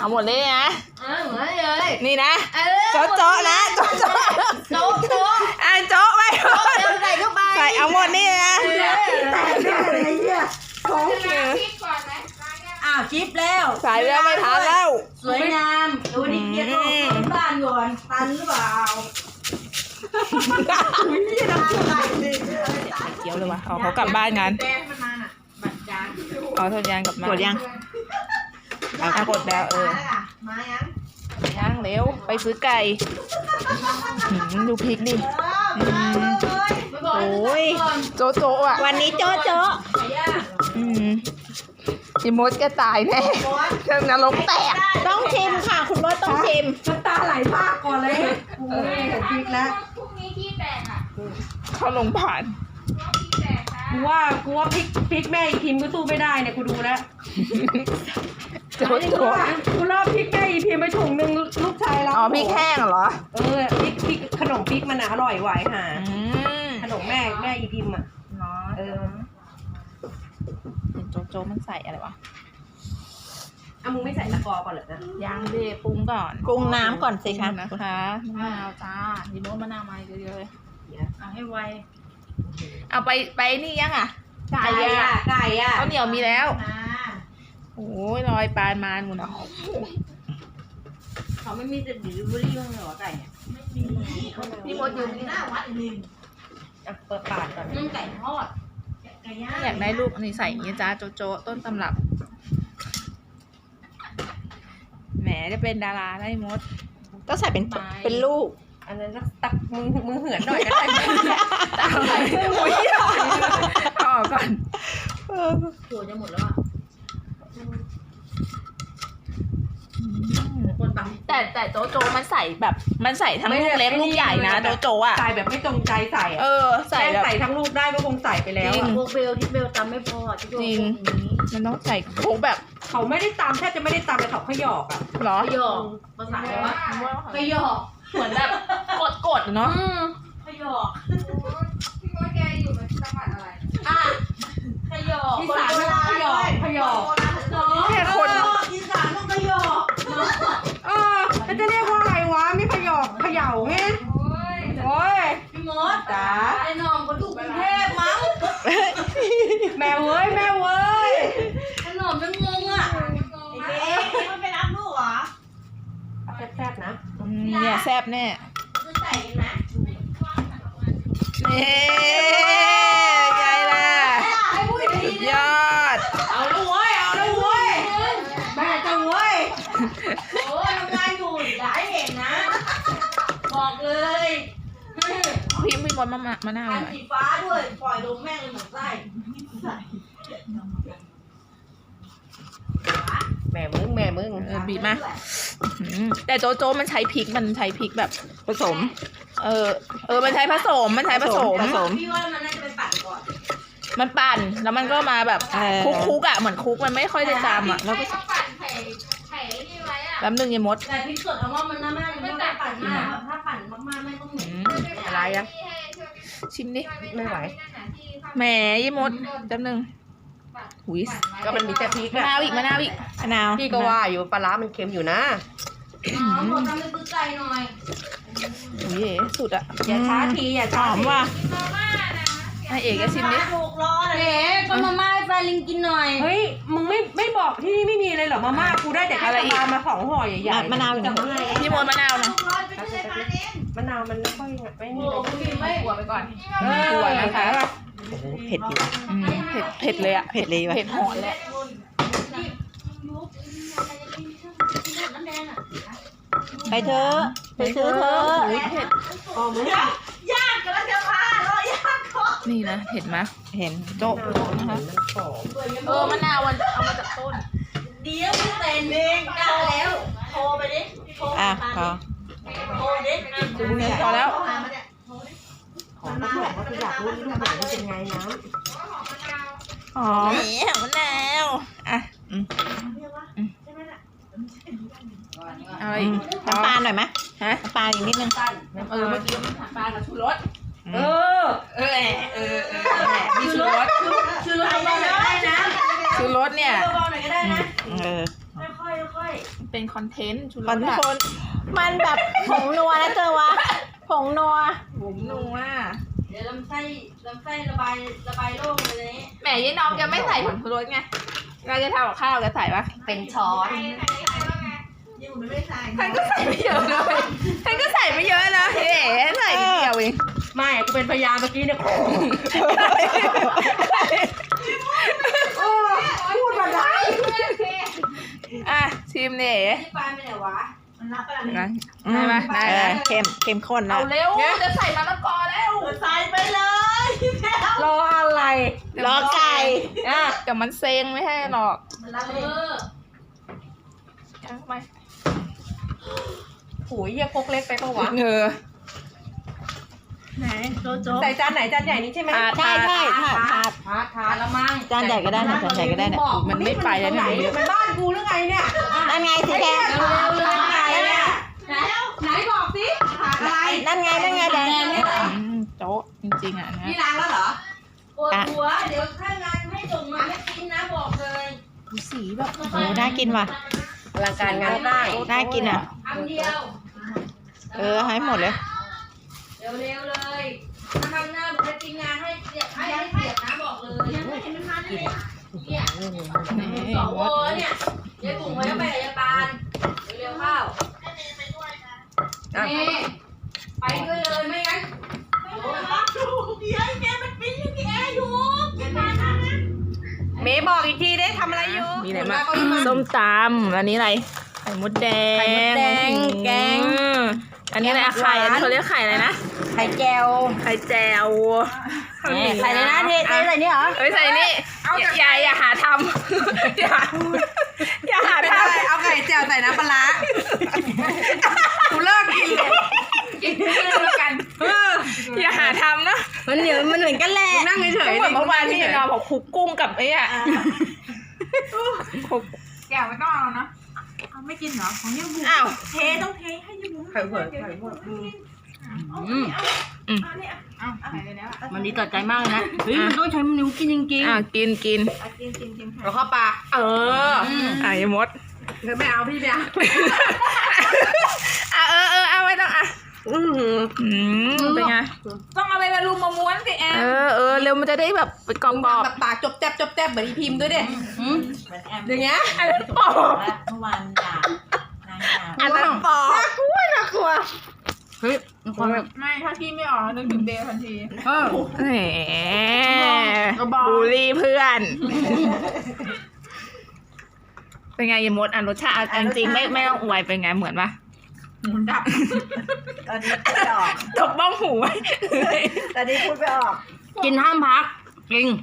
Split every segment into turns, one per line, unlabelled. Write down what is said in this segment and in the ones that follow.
เอาหมดเลยนะ
เหมือนเลย
นี่นะโจ๊ะนะโจ๊ะโจ๊ะโจ๊ะไป
ใส่เข้าไป
ใส่เอาหมดนี่นะ
คลิปแล้ว
ใส่แล้วไม่ทันแล้ว
สวยงามดูดิเกียร์ของบ้านก่อนตันหรือเปล่า
เกี่ยวเลยว่ะเขากลับบ้านกันอ๋อทนยางกับมากดยังกดแล้ว
มา
ยังเร็วไปซื้อไก่ดูพริกดิโอ้ยโจ๊ะอ่ะ
วันนี้โจ๊ะ
พี่มดก็ตายแน่เรื่องนรกแตก
ต้องชิมค่ะคุณมดต้องชิม
น้ำตาไหลมากก่อนเลยโอ้ยเห็นพริกแล้ว
พรุ่งนี้ที่แตกอ่ะ
เขาลงผ่าน
กูว่าพริกแม่อีพิมก็สู้ไม่ได้เนี่ยกูดูแล้ว
โจ๊ะ
กูรอบพริกแม่อีพิมไปถุงนึงลูกชายเรา
อ๋อพริกแห้งเหรอ
พริกขนมพริกมันอร่อยหวายหาขนมแม่อีพิมอ่ะ
โจ๊ะมันใส่อะไรวะ
มึงไม่ใส่ตะกอก่อนเหรอนะ
ยังดิปรุงก่อน
ปรุงน้ำก่อนสิคะ
นะคะมะนาวจ้าดีโมมะนาวมาเยอะๆเลย
เอาให้ไว
เอาไปนี่ยังอ่ะ
ไก่
ข้าวเหนียวมีแล้วโอ้ยลอยปานมานหมดอ่ะ
เขาไม่มีแต่ดิลิเวอรี่บ้างเหรอไก่ไม่มี
พี่มดอยู่ที่หน้าวัดนึง
เปิดปากก่อน
นึ่งไก่ทอด
อยากได้ลูกนี่ใส่อย่างนี้จ้าโจ๊ะต้นตำรับแหมจะเป็นดาราได้มด
ก็ใส่เป็นลูก
อันนั้นตักมึงเหือนหน่อยก็ได้
ต่อก่อน
ถั่วจะหมดแล้วอ่ะ
แต่โจ๊ะมันใส่แบบมันใส่ทั้งลูกเล็กลูกใหญ่นะโจ๊ะอ่ะ
ใส่แบบไม่ตรงใจใส่
ใส่
ทั้งลูกได้ก็คงใส่ไปแล้ว
พวกเบลที่เบลตำไม่พอ
จริงมันต้องใส่โค้กแบบ
เขาไม่ได้ตำแทบจะไม่ได้ตำเลยเขาขยอกอ่ะ
หรอ
ขยอกภาษาอะไรวะขยอก
เหมือนแบบกดเนาะ
ขยอก
พี่มดแกอยู่ในจังหวัดอะไร
ขยอก
อีสานขยอก
แค่คน
อีสานต้องขยอก
แล้วจะเรียกว่าอะไรวะไม่ขยอกเขย่าไงโอ้ย
พี่มดจ๋าไอ้น้องก็ถูกกรุงเทพมั้ง
แม่เว้ย
ไอ้น้องจะงงอ่ะมันไปรับลูกเหรอ
แซ่บนะ
เนี่ยแซ่บแน่
คือใส่กันนะ
นี่ไงล่ะยอด
เอาละเว้ย
แม่จะเว้ย
โอ้ทำงานอยู่อย่าให้เห็นนะบอกเลย
พี่มดมะนาว
อันสีฟ้าด้วยปล่อยลงแม่งเลยเหมือนไส้
แม่มึง
บีบมาแต่โจ๊ะมันใช้พริกแบบ
ผสม
มันใช้ผสม
พี่ว่ามันน่าจะไปปั่นก่อน
มันปั่นแล้วมันก็มาแบบคุกอ่ะเหมือนคุกมันไม่ค่อยจะจำอ่ะแล้วก็
ปั่นไข่นี่ไว้อ่ะ
แป๊บนึงยายมด
แต่พริกสดเอาว่ามันน่าไม่ปั่นมากถ้าปั่นมากๆไม่ต้องเหม็น
อะไรอ่ะ
ชิมดิ
ไม่ไหว
แหมยายมดแป๊บนึงหุย
ก็มันมีแต่พริก
มะนาวอีกมะนาว
พี่ก็ว่าอยู่ปลาร้ามันเค็มอยู่นะ
หมดทำเป็นตื้อใจหน่อย
หุยสุดอ่ะ
อย่าช้าที
หอมว่ะไอเอกก็ชิมดิ
ถูกรอเลยก็มาม่าให้แฟนลิงกินหน่อย
เฮ้ยมึงไม่บอกที่นี่ไม่มีเลยเหรอมาม่ากูได้แต่อะไรมา2ห่อใหญ่ๆ
มะนาวอยู่ข้างใน
พี่มดมะนาวนะ
มะนาวมันไม่ค่อยไม่มี
ไม่หัวไปก่อน
หัวนะคะ
เผ็ดอยู่
เผ็ดเลยอ่ะ
เผ็ดเลยว่ะ
เผ็ดหอนเลย
ไปเถอะไปซื้อเถอะ
เผ็ด
ยากกันแล้วจะพารอยากก่อน
นี่นะเห็นไหมเห็นโจ๊ะนะคะมะนาวมันเอามาจากต้น
เดี๋ยวพี่เต้นเองได้แล้วโทรไปดิโทรดิ
พอแล้ว
ของมาบอกว่าอยากรู้ลูกไหนเป็นไงน้ำ
นี่มะนาวอะไร
น้ำปลาหน่อยไหมน้ำปลาอีกนิดนึง
เมื่อกี้มันปลากับชูรส
มีชูรสเบาๆหน่อยได้นะ
ชูรสเนี่ย
เบาๆหน่อยก็ได้นะ
ค่อยเป็นคอนเทนต์ชูร
คอน
ส
โทนมันแบบผงนัวนะเจอวะผงนัว
ผมนัว
เดี๋ยวลำไส้ระบายโล่งเลย
แหมยายน้องจะไม่ใส่ผงชูรสไงเราจะทำกับข้าวจะใส่ปะ
เป็นช้อน
ท่านก็ใส่ไม่เยอะเลยท่านก็ใส่ไม่เยอะนะเอ๋ใส่นิดเดียวเอง
ไม่กูเป็นพยานเมื่อกี้เนี่ยพูดมาได้
อ่ะชิมเนี่ยเอ๋
ที่ปลาไปไหนวะ
ได้ไหมได้ไหม
เข้มข้นนะ
เอาเร็วจะใส่มะละกอแล้ว
ใส่ไปเลย
รออะไร
รอไก่
อ่ะ
เดี๋ยวมันเซ็งไม่ให้หรอก ทั้งไป
โหยเยี่ยพกเล็กไปปะวะ
ไหนโจโจ
ใส่จานไหนจานใหญ่นี้ใช่ไหม
ใช่ถาด
ถาดละมั้ง
จานใหญ่ก็ได้นะจานใหญ่ก็ได้เนี่ย
มันไม่ไปแล้วเนี่ยมันเยอะ
มันบ้านกูหรือไงเนี่ย
นั่นไงสีแดง
เร็วเลยไก่เนี่ยไหนบอกสิถาดอะไร
นั่นไงแดง
โจ๊ะจริงๆอ่ะนะ
นี่ล้างแล้วเหรอ
ปวดหัวเดี๋ยวถ้างานให้ส่งมาไม่กินนะบอกเลย
ดูสีแบบ
โอ้น่ากินว่ะ
อลังการงานได้
น่ากินอ่ะคำเดียวให้หมดเลยเร็วๆเลยถ้าทำหน้าบุคกินงานให้เสียนะบอกเลยเนี่ยสองโอเนี่ยยายบุ๋มเขาจะไปกับยายปานเร็วๆเข้านี่ไปด้วยเลยไม่งั้น
เมย์บอกอีกทีได้ทำอะไรอยู่
มีอะไรบ้างส้มตำอันนี้อะไรไข่มดแดง
ไข่มดแดงแกง
อันนี้อะไรอะไข่อันนี้เขาเรียกไข่อะไรนะ
ไข่แจว
ไข่แจว
ใส่เลยนะเทใส่นี่เหรอ
เอ้ยใส่นี่อย่าหาทำอย่าหา
ไม่
ท
ได้เอาไข่แจวใส่น้ำปลาร้ากูเลิกกินเลย
ำกินด้วยกันอย่าหาทำนะ
มันเหนียวมันเหมือนกันแหละนั่งเฉย
ก็เหมือนเมื่อวานที่นอนบอกคลุกกุ้งกับไอ้อะคลุกแก้วไม่ต้องเอานะไม่กินเหรอของยังบุอ้าว
ไข่เผือกมันดีต่อใจมากเลยนะเฮ้ยมันต้องใช้นิ้วกินจริง
อ่ะกิน
ๆแล้วเข้าปาก
อ่ะยมด
เธอไม่เอาพี่ไม่เอา
อ่ะเอาไม่ต้องอ่ะเป็นไงต้องเอาไปบรรลุมม้วนสิแอนเร็วมันจะได้แบบเป็นกรอบ
แบบปากจบแจ๊บเหมือนอีพิมพ์ด้วยดิอย่างเงี้ย
อันนั้นปอก
เมื่อวานด่านางด่า
อันนั้นปอก
น่ากลัวเฮ้ยความแบบ
ไม่ถ้าพี่ไม่ออกนึกถึงเบลทันที แหม
บอก
บูลลี่เพื่อน เป็นไงยมดรสชาติจริงๆไม่ต้องอวยเป็นไงเหมือนปะ
หมุนดับ
ตอนนี้พูดไม่ออก
ตบบ้องหูไว้
ตอนนี้พูดไม่ออก
กินห้ามพักจริง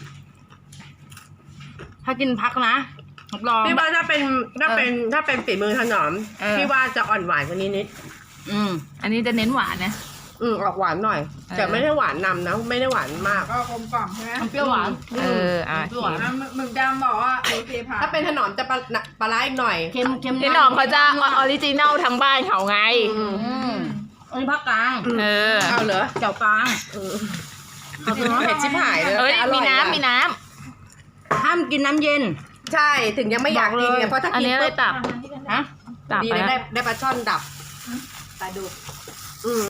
ถ้ากินพักนะรับรอง
พี่ว่าถ้าเป็นฝีมือถนอมพี่ว่าจะอ่อนหวานกว่านี้นิด
อันนี้จะเน้นหวานนะ
ออกหวานหน่อย แต่ไม่ได้หวานนำนะไม่ได้หวานมาก
ก็กลมกล่อมใช่ไหม
เปรี้ยวหวาน
ชิม
หมึกดำบอกว่าโอเคผ่าน
ถ้าเป็นถนอมจะปลาร้าอีกหน่อย
เค็ม
พี่หนอมเขาจะออริจินัลทั้งบ้านเขาไง
อันนี้ภาคกลาง
เอาเหรอ
เจ้ากลาง
เผ็ดชิบหายเลย
เอ้ย
แต่อร่
มี
อย
น้ำมีน้
ห้ามกินน้ำเย็น
ใช่ถึงยังไม่อยากกินเนี่ยเพราะถ้า
ำอัน
กิน
นี้เล
ปุ๊
ย
บ
ตับ
ฮะ
ตับ
ดี
ไป
เลย
นะ
ได้ปลาช่อนดับ
ปลาดุก